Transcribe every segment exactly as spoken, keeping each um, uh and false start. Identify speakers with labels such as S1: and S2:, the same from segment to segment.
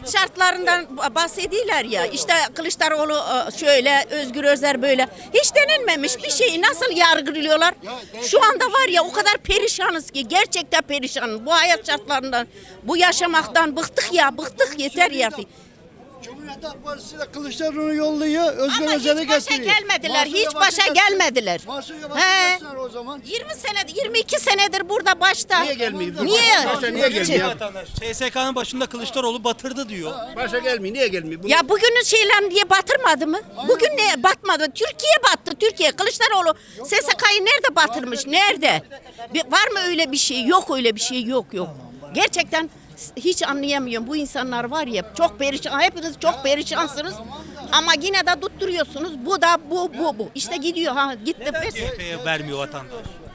S1: hayat şartlarından bahsediyorlar ya. İşte Kılıçdaroğlu şöyle, Özgür Özel böyle. Hiç denilmemiş bir şeyi nasıl yargılıyorlar? Şu anda var ya o kadar perişanız ki gerçekten perişanız. Bu hayat şartlarından, bu yaşamaktan bıktık ya, bıktık yeter ya.
S2: Cumhuriyet Halk Partisi de Kılıçdaroğlu'nu yolluyor, Özgür
S1: Ama
S2: Özel'i
S1: hiç başa
S2: getiriyor.
S1: gelmediler,
S2: Mahsun
S1: hiç
S2: Yavaş'ı
S1: başa
S2: getiriyor.
S1: gelmediler.
S2: Mahsun Yavaş'ı
S1: He.
S2: göster o zaman.
S1: yirmi senedir, yirmi iki senedir burada başta.
S3: Niye gelmiyor?
S1: Niye?
S3: Başa niye gelmiyor?
S4: Vatandaş S S K'nın başında Kılıçdaroğlu batırdı diyor.
S3: Başa gelmiyor. Niye gelmiyor? Bunu
S1: Ya bugünün şeyler diye batırmadı mı? Bugün ne batmadı? Türkiye battı. Türkiye. Kılıçdaroğlu S S K'yı nerede batırmış? Nerede? Bir, var mı öyle bir şey? Yok öyle bir şey. Yok yok. Gerçekten hiç anlayamıyorum. Bu insanlar var ya çok perişan. Hepiniz çok perişansınız. Ama yine de tutturuyorsunuz. Bu da bu bu bu. İşte gidiyor ha gitti.
S4: Neden C H P'ye vermiyor vatandaş?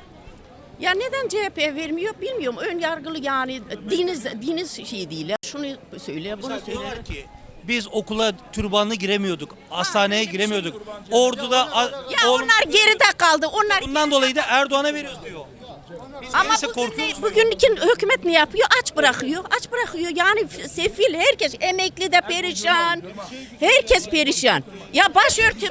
S1: Ya neden C H P vermiyor bilmiyorum. Ön yargılı yani diniz diniz şey değil. ya. Şunu söyle, bunu
S4: Mesela
S1: söyle.
S4: diyorlar ki biz okula türbanlı giremiyorduk, hastaneye giremiyorduk. Ordu'da a-
S1: Ya
S4: oğlum-
S1: onlar geride kaldı. Onlar
S4: bundan dolayı da Erdoğan'a veriyoruz diyor. Biz
S1: Ama
S4: neyse
S1: bugün
S4: korkuyoruz.
S1: ne, bugünkü hükümet ne yapıyor? Aç bırakıyor. Aç bırakıyor. Yani sefil herkes emekli de perişan. Herkes perişan. Ya başörtü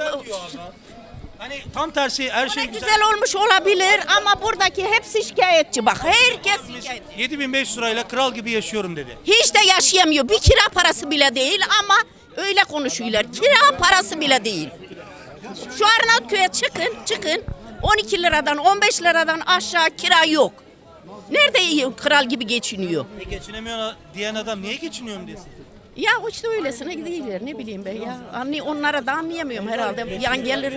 S4: Hani tam tersi her şey güzel.
S1: güzel olmuş olabilir ama buradaki hepsi şikayetçi bak. Herkes şikayetçi.
S4: yedi bin beş yüz lirayla kral gibi yaşıyorum dedi.
S1: Hiç de yaşayamıyor. Bir kira parası bile değil ama öyle konuşuyorlar. Kira parası bile değil. Şu Arnavutköy'e çıkın, çıkın. on iki liradan, on beş liradan aşağı kira yok. Nerede iyi, kral gibi geçiniyor?
S4: E geçinemiyor diyen adam niye geçiniyorum desin?
S1: Ya işte öylesine gidiyorlar ne bileyim ben ya. Anlay onlara da anlayamıyorum herhalde. Yan gelir.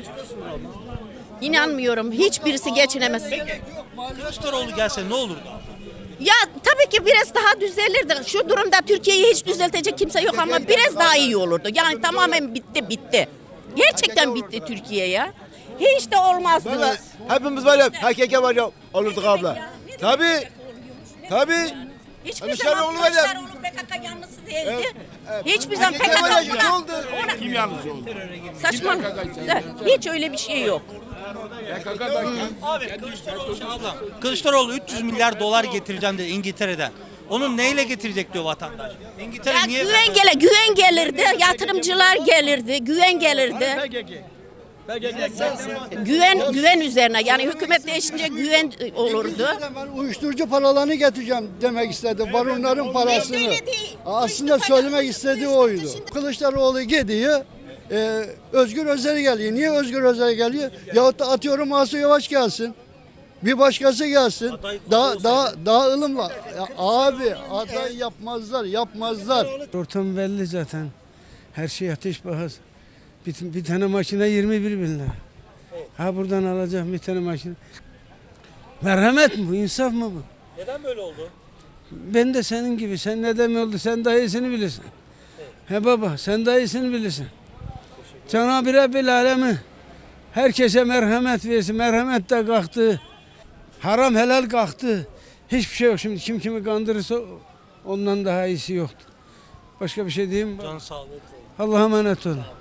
S1: İnanmıyorum. Hiçbirisi geçinemez.
S4: Kılıçdaroğlu gelse ne olurdu?
S1: Ya tabii ki biraz daha düzelirdi. Şu durumda Türkiye'yi hiç düzeltecek kimse yok ama biraz daha iyi olurdu. Yani tamamen bitti bitti. Gerçekten bitti Türkiye ya. Hiç de olmazdı.
S5: Vallahi hepimiz var ya, H K K var ya, olurduk abla. Tabii, tabii.
S1: Hiçbir
S5: Kılıçdaroğlu
S1: zaman
S5: var ya.
S1: Kılıçdaroğlu P K K yanlısı değildi.
S5: Evet, evet.
S1: Hiçbir zaman
S5: H
S1: P
S5: K
S1: K
S5: K var
S1: K
S5: ya, ne
S1: ona,
S5: oldu?
S1: ona
S3: kim yalnız oldu?
S1: saçmalık. Hiç öyle bir şey yok.
S4: Abi Kılıçdaroğlu şu ablam. Kılıçdaroğlu üç yüz milyar dolar getireceğim dedi İngiltere'den. Onun neyle getirecek diyor vatandaş. İngiltere
S1: Ya
S4: niye?
S1: güven gele, güven gelirdi, yatırımcılar gelirdi, güven gelirdi. Güven güven üzerine yani hükümet değişince güven olurdu.
S2: Ben uyuşturucu paralarını getireceğim demek istedi. Baronların parasını.
S1: öyle değil.
S2: Aslında söylemek istediği oydu. Kılıçdaroğlu gidiyor. E, Özgür Özel geliyor. Niye Özgür Özel geliyor? Yahut da atıyorum Mahsun Yavaş gelsin. Bir başkası gelsin. Daha daha daha ılımla. Ya abi aday yapmazlar, yapmazlar.
S6: Ortam belli zaten. Her şey ateş pahası. Bir, bir tane makine yirmi bir bin lira. Ha buradan alacağım bir tane makine. Merhamet mi bu? İnsaf mı bu?
S4: Neden böyle oldu?
S6: Ben de senin gibi. Sen neden oldu? Sen daha iyisini bilirsin. He baba sen daha iyisini bilirsin. Cenab-ı Rabbil Alemi herkese merhamet versin. Merhamet de kalktı. Haram helal kalktı. Hiçbir şey yok. Şimdi kim kimi kandırırsa ondan daha iyisi yoktu. Başka bir şey diyeyim mi?
S4: Can sağlığı.
S6: Allah'a emanet olun.